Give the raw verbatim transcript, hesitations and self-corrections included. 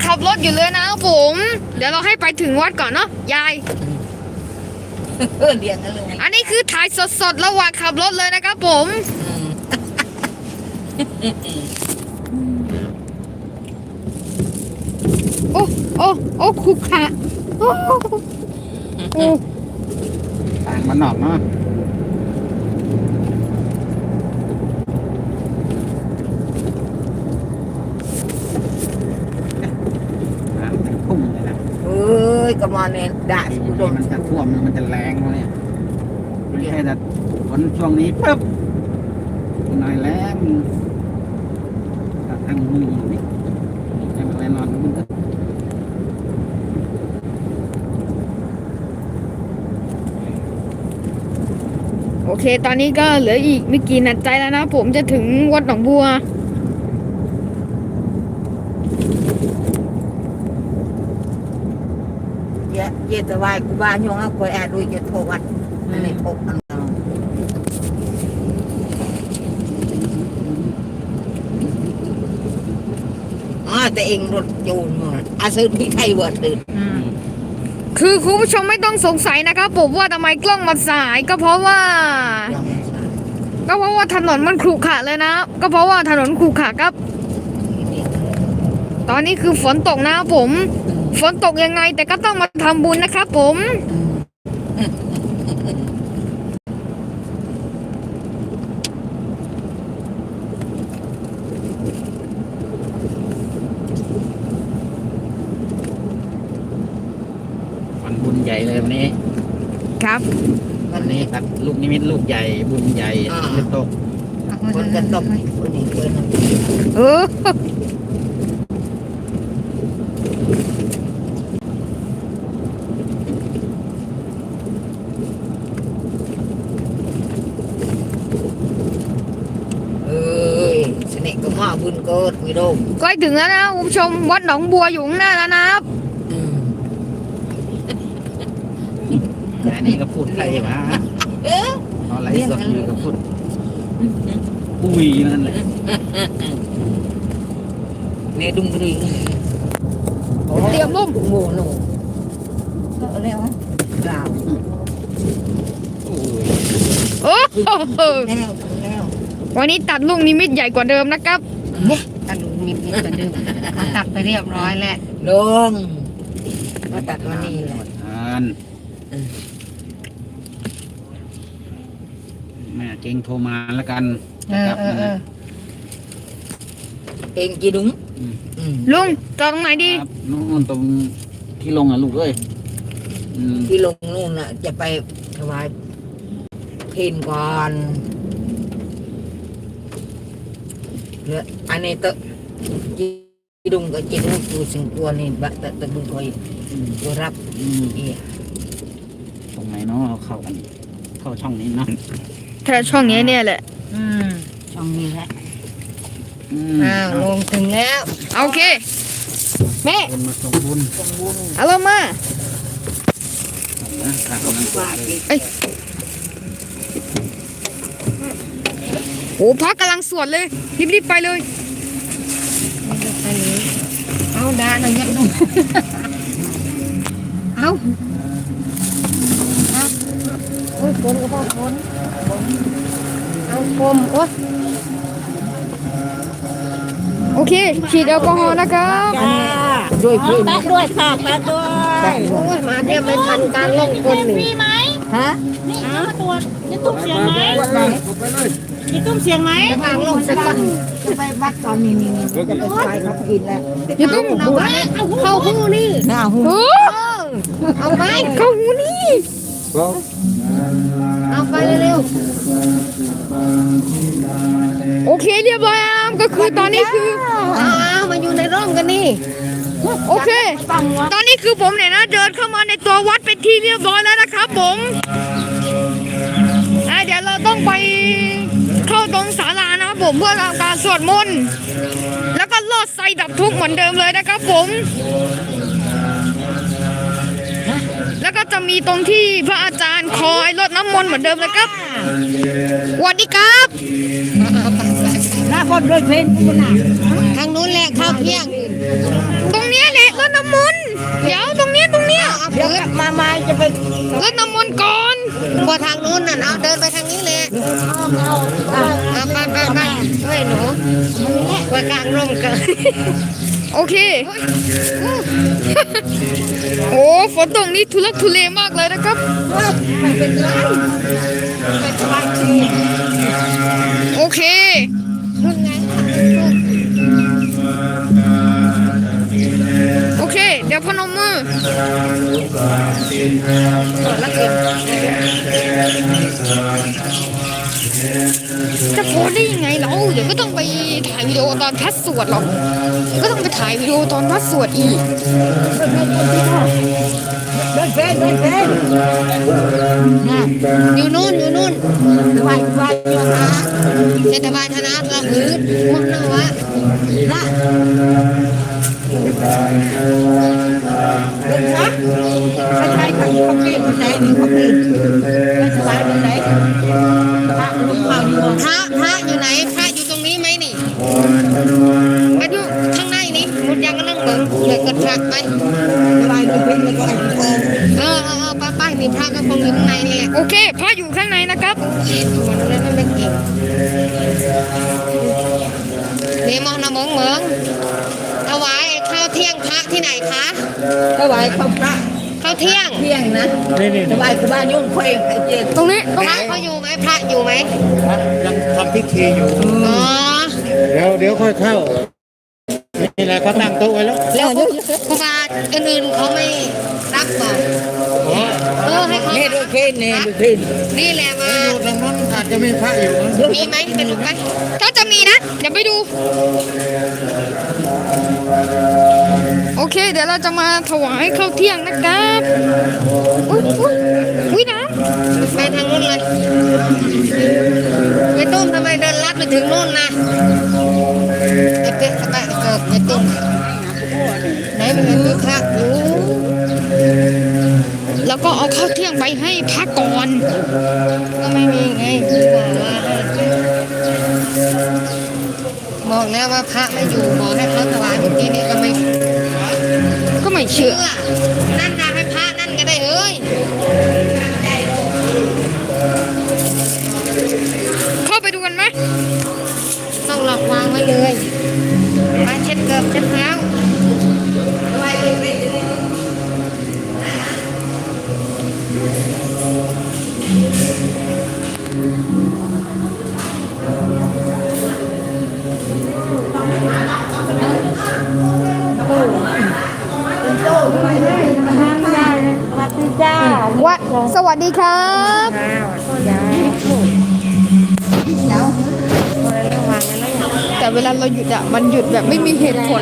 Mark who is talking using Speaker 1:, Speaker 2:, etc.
Speaker 1: ขับรถอยู่เลยนะผมเดี๋ยวเราให้ไปถึงวัดก่อนเนาะยาย
Speaker 2: เรียนกันเลย
Speaker 1: อันนี้คือถ่ายสดๆระหว่างขับรถเลยนะครับผมโอ้โอ้โอ้คุกค่ะโอ้โอ้
Speaker 3: ต่างมันหนอกเนาะพุ่งเลยนะ
Speaker 2: เอ้ยกระมอนเนี่ยด่าสุด
Speaker 3: มันจะท่วมมันจะแรงเลยไม่ใช่แต่ฝนช่วงนี้ปุ๊บหน่อยแรงทางมือนี่แค่แน่นอนมันก็
Speaker 1: โอเคตอนนี้ก็เหลืออีกไม่กี่นาทีแล้วนะผมจะถึงวัดหนองบัว
Speaker 2: เยอะเยอะแต่ว่ากูบ้านยงเอาคอยแอดด้วยจะโทรวัดในปกอันนั้นอ๋อแต่เองรถจูนมาอาซื้อที่ไทยเวิร์ดตื่น
Speaker 1: คือคุณผู้ชมไม่ต้องสงสัยนะครับผมว่าทำไมกล้องมันสายก็เพราะว่าก็เพราะว่าถนนมันขรุขระเลยนะก็เพราะว่าถนนขรุขระครับตอนนี้คือฝนตกนะผมฝนตกยังไงแต่ก็ต้องมาทำบุญนะครับผม
Speaker 3: วันบุญใหญ่เลยวันนี้
Speaker 1: ครับ
Speaker 3: วันนี้ครับลูกนิมิตลูกใหญ่บุญใหญ่จะตก
Speaker 2: คนจะตกคนนี้คน
Speaker 1: เออ
Speaker 2: มาบุญเกิดมีโดม
Speaker 1: ใกล้ถึงแล้วนะคุณผู้ชมวัดหนองบัวอยู่ข้างหน้าแล้วนะครับ
Speaker 3: อันนี้ก็พูดไทยมาเอาอะไรสดอยู่ก็พูดปุยนั่นแหละ
Speaker 2: เนี่ยดุงรี
Speaker 1: เตรียมลุ่ม
Speaker 2: โง่โน่ก็แล้วดาว
Speaker 1: โอ้โหวันนี้ตัดลูกนิมิตใหญ่กว่าเดิมนะครับ
Speaker 2: ตัดลูกนิมิตกว่าเดิมเขาตัดไปเรียบร้อยแล้วลงมาตัดวันนี้แหละ
Speaker 3: แม่เก่งโทรมาแล้วกัน
Speaker 2: เออเออเออเก่งกี่ดุ้ง
Speaker 1: ลุงตรงไหนดี
Speaker 3: นู่นตรงที่ลงอ่ะลูกเอ้ย
Speaker 2: ที่ลงนู่นน่ะจะไปถวายเพลงก่อนเนี่ยอันนี้ตะจีดุงกับจีดุงตัวสิงตัวนี่บะตะตะดุงคอยตัวรับอี
Speaker 3: ตรงไหนเนาะเราเข้ากันเข้าช่องนี้เนาะ
Speaker 1: แค่ช่องนี้เนี่ยแหละ
Speaker 2: อืมช่องนี้แหละอ้าวลงถึงแล้ว
Speaker 1: โอเคแม่
Speaker 3: มาส่งบุญ
Speaker 2: ส่งบุญ
Speaker 1: เอาลงมาเอ้ยโอ้พระกำลังสวดเลยรีบๆไปเลย
Speaker 2: เอาด่าหน่อยยัดดูเอาเอาโอ้ยคนก็พอคนเอาคมโอ้ย
Speaker 1: โอเคฉีดแอลกอฮอล์นะครับ
Speaker 2: ด้วยพี่
Speaker 4: ตักด้วยค่ะตักด้วย
Speaker 2: โอ้ยมาเนี่ยไม่ทันการลงคนหนึ่ง
Speaker 4: ไหม
Speaker 2: ฮะ
Speaker 4: นี่เอามาตรวจจะตุ้มเสียงไหมมีตุ้มเสียงไหม
Speaker 2: ทางลงสักคนจะไปวัดตอนนี้นี่จะไปไปเขากินแล้ว
Speaker 1: อย่าตุ้ม
Speaker 2: หัวเข้าหูนี่เข้าหูเอาไป
Speaker 1: เข้าหูนี่
Speaker 2: เอาไปเร็ว
Speaker 1: โอเคเรียบร้อยก็คือตอนนี้คือ
Speaker 2: เอามาอยู่ในร่องกันนี่
Speaker 1: โอเคตอนนี้คือผมเนี่ยนะเดินเข้ามาในตัววัดเป็นที่เรียบร้อยแล้วนะครับผมเดี๋ยวเราต้องไปเข้าตรงศาลานะครับผมเพื่อทำการสวดมนต์แล้วก็ลอดไฟดับทุกข์เหมือนเดิมเลยนะครับผมแล้วก็จะมีตรงที่พระอาจารย์คอยรดน้ำมนต์เหมือนเดิมเลยครับสวัสดีครับ
Speaker 2: ได้
Speaker 4: าคนด้วยเพลงคุณน่ะ
Speaker 2: ทางนู้นแหละข้าวเที่ยง
Speaker 1: ตรงเนี้ยแหละรถน้ำมนต์เดี๋ยวตรงเนี้ยตรงเนี้ย
Speaker 4: เดี๋ยวกลับมามาจะไป
Speaker 1: รถน้ำมนต์ก่อน
Speaker 2: พอทางนู้นน่ะเอาเดินไปทางนี้แหละ
Speaker 4: เอาเอา
Speaker 2: เอาไปไปไปเฮ้ยหนูไปกลางร่มกัน
Speaker 1: โอเค โอ้ฝนตกนี่ทุลักทุเลมากเลยนะครับ
Speaker 4: ไม่เป็นไรไม่สบายดี
Speaker 1: โอเค
Speaker 2: นู่นไง
Speaker 1: โอเค เดี๋ยวพนมมือ
Speaker 2: แล้วเกิน
Speaker 1: จะโพสได้ยังไงเราเดี๋ยวก็ต้องไปถ่ายวิดีโอตอนพระสวดหรอกเดี๋ยวก็ต้องไปถ่ายวิดีโอตอนพระสวดอีก
Speaker 4: เดินเพลงเดินเพลงนะ
Speaker 2: อยู่นู่นอยู่นู่น
Speaker 4: สบายสบายดีนะ
Speaker 2: เทศบาลธนาเราหือมุ่งหน้าวะ
Speaker 4: นะเดินนะไปใช้ขันขับเล่นไปไหนนี่ขับเล่นไม่สบายไปไหนพระลูกเมาอยู่
Speaker 2: พระพระอยู่ไหนพระอยู่ตรงนี้ไหมนี่ไปดูข้างในนี่มุดยังก็นั่งเบิ่งเดี๋ยวกดพระไป
Speaker 4: สบายดีเพลงแล้วก็ไอ้ทอง
Speaker 2: เออเออเออไปไปนี่พระก็คงอยู่ข้างในนี่แหละ
Speaker 1: โอเคพระอยู่ข้างในนะครับ
Speaker 2: มันเลยมันไม่เก่งนี่มองนะมองเหมืองถวายข้าวเที่ยงพระที่ไหนคะ
Speaker 4: ถวายข้าวพระ
Speaker 2: ข้าวเที่ยง
Speaker 4: เที่ยงนะสบายสบายยุ่งเพลงไอ้เจ็ด
Speaker 1: ตรงนี้
Speaker 2: พระเขาอยู่ไหมพระอยู่ไหม
Speaker 3: ยังทำพิธีอยู่
Speaker 2: อ๋อ
Speaker 3: เดี๋ยวเดี๋ยวค่อยเข้า นี่แหละเขาตั้งโต๊ะไว้แล้ว
Speaker 2: แล้วครูบาอื่นๆเขาไม่รับบอกเออให้เขา
Speaker 4: นี่ดูเพลงนี่ดูเพลง
Speaker 2: นี่แหละมา
Speaker 3: อยู่ตรงนั้นอาจจะมีพระอยู่นะ
Speaker 2: มีไหมไปดูกัน
Speaker 1: ถ้าจะมีนะ เดี๋ยวไปดู โอเค เดี๋ยวเราจะมาถวายข้าวเที่ยงนะครับอุ้ยอุ้ยอุ้ยน้
Speaker 2: ไปทางนู้นเลยไปตุ้มทำไมเดินลัดไปถึงนู่นนะไอ้เป๊ะไปเกิดไอ้ตุ้มไหนมันมีพระอยู่
Speaker 1: ำแล้วก็เอาข้าวเที่ยงไปให้พระก่อน
Speaker 2: ก็ไม่มีไงคือบอกว่าบอกแล้วว่าพระไม่อยู่บอกให้เขาถวายเมื่อกี้นี้ก็ไม่
Speaker 1: ก็ไม่เชื่อ
Speaker 2: เชื่อนั่นนะให้พระนั่นก็ได้เอ้ย
Speaker 1: เข้าไปดูกันไหม
Speaker 2: ต้องหลอกวางไว้เลยมาเช็ดเกือบเช็ดเท้าไว้เลย
Speaker 4: วัดจ้า
Speaker 1: วัดสวัสดีครับ แต่เวลาเราหยุดอ่ะ มันหยุดแบบไม่มีเหตุผล